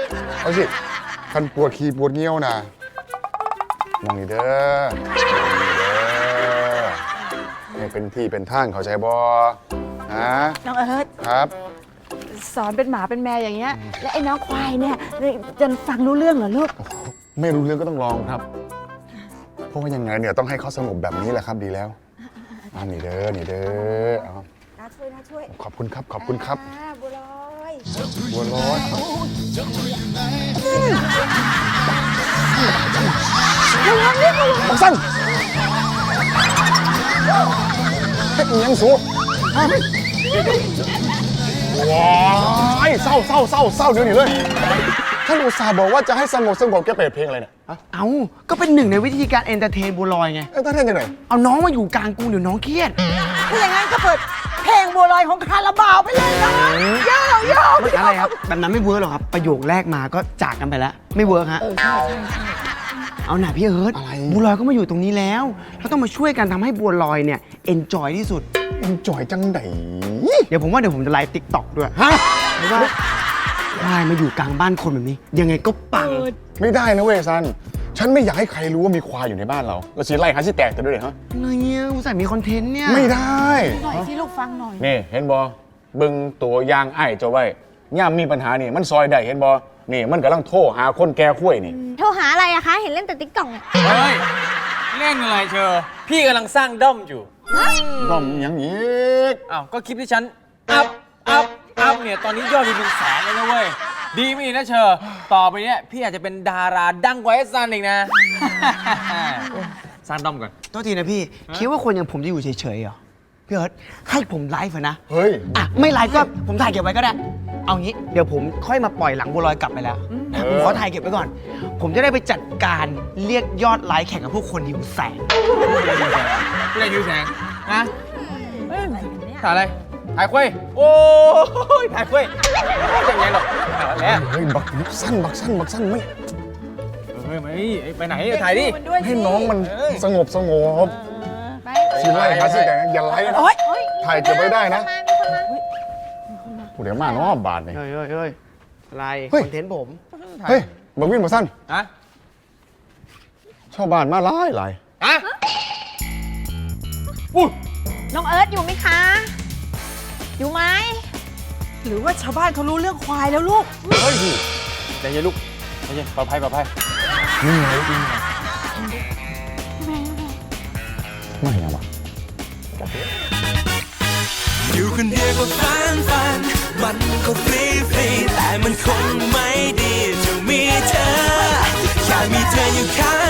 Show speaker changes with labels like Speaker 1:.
Speaker 1: เอาสิคันปวดขี้ปวดเงี้ยวนะมองนี่เด้อนี่เป็นที่เป็นทางเข้าใจบ่ฮะ
Speaker 2: น้องเอิร์ธ
Speaker 1: ครับ
Speaker 2: สอนเป็นหมาเป็นแมวอย่างเงี้ยและไอ้น้องควายเนี่ยจะฟังรู้เรื่องเหรอลูก
Speaker 1: ไม่รู้เรื่องก็ต้องลองครับเพราะว่ายังไงเนี่ยต้องให้เขาสงบแบบนี้แหละครับดีแล้วนี่เด้อเอา
Speaker 2: น่าช่วย
Speaker 1: ขอบคุณครับขอบคุณครับ
Speaker 2: บัวลอย
Speaker 1: บักสั้นเฮ็ดยังสูว้ายเศร้าเดี๋ยวนี้เลยท่านอุตส่าห์บอกว่าจะให้สงบแกเปิดเพลงอะไรเนี่ย
Speaker 3: เอาก็เป็นหนึ่งในวิธีการเอนเตอร์เทนบัวลอยไง
Speaker 1: เอนเตอร์เทนยังไง
Speaker 3: เอาน้องมาอยู่กลางกรุงเดี๋ยวน้องเครียด
Speaker 2: ถ้าอย่างนั้นก็เปิดเพลงบัวลอยของคาราบาวไปเลยนะโย่
Speaker 3: อะไรครับแบบนั้นไม่เวิร์กหรอกครับประโยคแรกมาก็จากกันไปแล้วไม่เวิร์กฮะเอาหน่าพี่เอิร์ธบัวลอยก็มาอยู่ตรงนี้แล้วเราต้องมาช่วยกันทำให้บัวลอยเนี่ยเอนจอยที่สุด
Speaker 1: เอนจอยจังไหน
Speaker 3: เดี๋ยวผมจะไลฟ์ติ๊กต็อกด้วยเพราะว่าควายมาอยู่กลางบ้านคนแบบนี้ยังไงก็ปัง
Speaker 1: ไม่ได้นะเวซันฉันไม่อยากให้ใครรู้ว่ามีควายอยู่ในบ้านเราสิไล่หาสิแตกแต่ด้วยเลยฮะ
Speaker 3: เนี่ยอุตส่าห์มีคอนเทนต์เนี่ย
Speaker 1: ไม่ได้
Speaker 2: หน่อยที่ลูกฟังหน่อย
Speaker 1: นี่เห็นบอบึงตัวยางไอ้เจ้าไว้ย่ามมีปัญหานี่มันซอยได้เห็นบอนี่มันกำลังโทรหาคนแก่คุ้ยนี่
Speaker 4: โทรหาอะไรอะคะเห็นเล่นแต่ติ๊กต็อกเนี่ย
Speaker 5: เฮ้ยเล่นอะไรเชอพี่กำลังสร้างด้อมอยู่
Speaker 1: ด้อมอย่างนี้
Speaker 5: อ้าวก็คลิปที่ฉันอัพเนี่ยตอนนี้ยอดวิวเป็นแสนเลยนะเว้ยดีไม่ดีนะเชอต่อไปเนี้ยพี่อาจจะเป็นดาราดังกว่าไอ้ซันอีกนะสร้างด้อมก่อน
Speaker 3: โทษทีนะพี่คิดว่าคนอย่างผมจะอยู่เฉยๆเหรอพี่เอิร์ธให้ผมไลฟ์นะ
Speaker 1: เฮ้ย
Speaker 3: ไม่ไลฟ์ก็ผมถ่ายเก็บไว้ก็ได้เอางี้เดี๋ยวผมค่อยมาปล่อยหลังบัวลอยกลับไปแล้วผมขอถ่ายเก็บไว้ก่อนผมจะได้ไปจัดการเรียกยอดไลค์แข่งกับพวกคนหิวแสง
Speaker 5: เล่นหิวแสงนะถ่ายอะไรถ่ายคุยโอ้ยถ่ายคุยไม่ยังไงหรอกแล้ว
Speaker 1: เฮ้ยบักสั้นไม่
Speaker 5: ไปไหนถ่ายดิ
Speaker 1: ให้น้องมันสงบสิไล่หาสิแตกอย่าไล่นะถ่ายเก็บไว้ได้นะเดี๋ยวมาน้อบาทนี่
Speaker 3: เฮ้ยอะไรคอนเทนต์ผม
Speaker 1: เฮ้ยบักวินบักสั้นชาวบ้านมาไล่
Speaker 4: น้องเอิร์ธอยู่ไหมคะอยู่ไหม
Speaker 2: หรือว่าชาวบ้านเขารู้เรื่องควายแล้วลูก
Speaker 1: เฮ้ย
Speaker 5: ใจเย็นลูกใจเย็นปลอดภัย
Speaker 1: นี่ไงไม่เอาวะ
Speaker 6: อยู่คนเดียวก็ฝันมันก็ฟรีแต่มันคงไม่ดีจะมีเธอแค่มีเธออยู่ข้าง